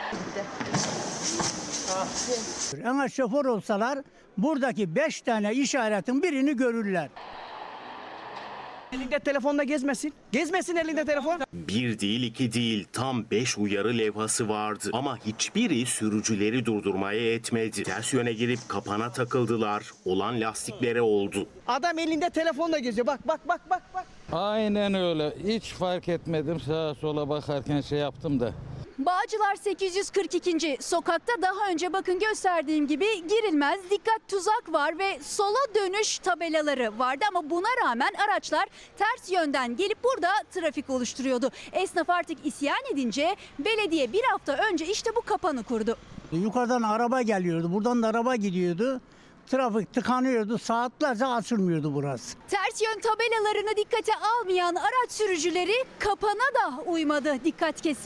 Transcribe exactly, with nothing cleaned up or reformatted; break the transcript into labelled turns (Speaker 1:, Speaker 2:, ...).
Speaker 1: Ama şoför olsalar buradaki beş tane işaretin birini görürler.
Speaker 2: Elinde telefonla gezmesin. Gezmesin elinde telefon.
Speaker 3: Bir değil iki değil tam beş uyarı levhası vardı ama hiçbiri sürücüleri durdurmaya yetmedi. Ters yöne girip kapana takıldılar. Olan lastiklere oldu.
Speaker 2: Adam elinde telefonla geziyor. Bak bak bak bak bak.
Speaker 4: Aynen öyle. Hiç fark etmedim. Sağa sola bakarken şey yaptım da.
Speaker 5: Bağcılar sekiz yüz kırk ikinci sokakta daha önce bakın gösterdiğim gibi girilmez, dikkat tuzak var ve sola dönüş tabelaları vardı ama buna rağmen araçlar ters yönden gelip burada trafik oluşturuyordu. Esnaf artık isyan edince belediye bir hafta önce işte bu kapanı kurdu.
Speaker 1: Yukarıdan araba geliyordu, buradan da araba gidiyordu. Trafik tıkanıyordu, saatlerce açılmıyordu burası.
Speaker 5: Ters yön tabelalarını dikkate almayan araç sürücüleri kapana da uymadı, dikkat kesin.